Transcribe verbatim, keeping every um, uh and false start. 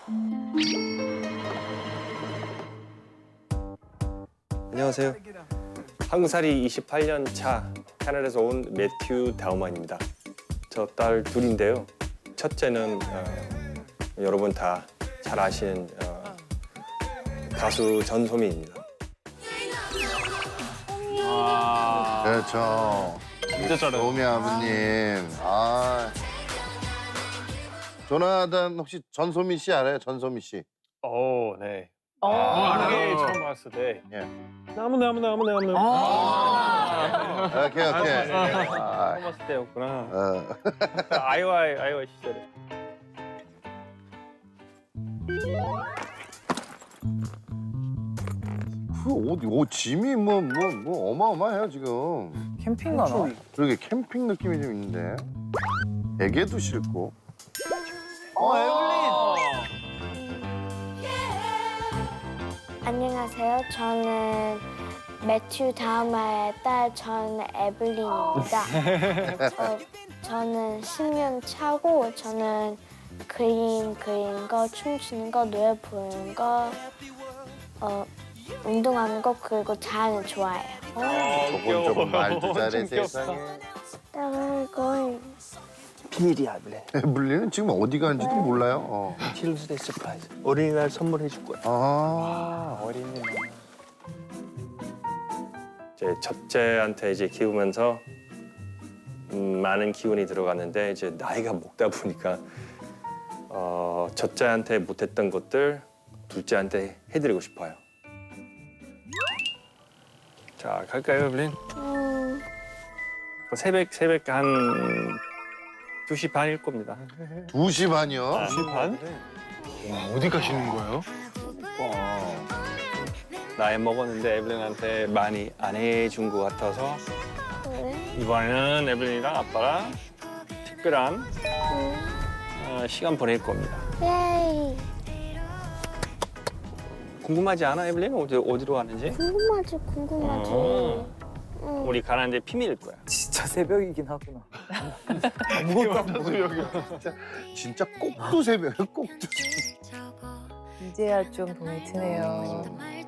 안녕하세요. 한국살이 이십팔 년 차 캐나다에서 온 매튜 다우만입니다. 저 딸 둘인데요. 첫째는 어, 여러분 다 잘 아시는 어, 가수 전소민입니다. 아, 그렇죠. 진짜 잘해요. 도미 아버님. 아. 조나단 혹시 전소미 씨 알아요? 전소미 씨. 오, 네. 어, 그게 알아요. 처음 봤을 때 예. 너무 너무 너무 너무 아. 오케이 오케이. 아, 처음 봤을 때였구나. 어. 아이와 아이와 시절에. 그 옷, 옷 짐이 뭐 뭐 뭐 어마어마해요 지금. 캠핑 가나? 그러게 캠핑 느낌이 좀 있는데. 베개도 싫고. 어, 에블린. 안녕하세요. 저는 매튜 다우마의 딸 전 에블린입니다. 저, 저는 십 년 차고 저는 그림 그리는 거, 춤추는 거, 노래 부르는 거, 어, 운동하는 거 그리고 자연을 좋아해요. 조금 조금 말도 잘해 세상에. 딸을 거의 비밀이야, 에블린. 에블린은 지금 어디 가는지도 몰라요. 어. 칠루스데이 서프라이즈. 어린이날 선물해 줄 거야. 아. 어린이날. 이제 첫째한테 이제 키우면서 음, 많은 기운이 들어갔는데 이제 나이가 먹다 보니까 어, 첫째한테 못했던 것들 둘째한테 해드리고 싶어요. 자, 갈까요, 에블린? 음, 새벽 새벽 한 두 시 반일 겁니다. 두 시 반이요? 두 시 반? 어디 가시는 거예요? 나이 먹었는데 에블린한테 많이 안 해준 것 같아서 그래? 이번에는 에블린이랑 아빠랑 특별한 음, 어, 시간 보낼 겁니다. 예이. 궁금하지 않아, 에블린? 어디, 어디로 가는지? 궁금하지, 궁금하지. 어. 응. 우리 가는데 비밀일 거야. 진짜 새벽이긴 하구나. 진짜 꼭두 새벽, 꼭두. 이제야 좀 돈이 트네요.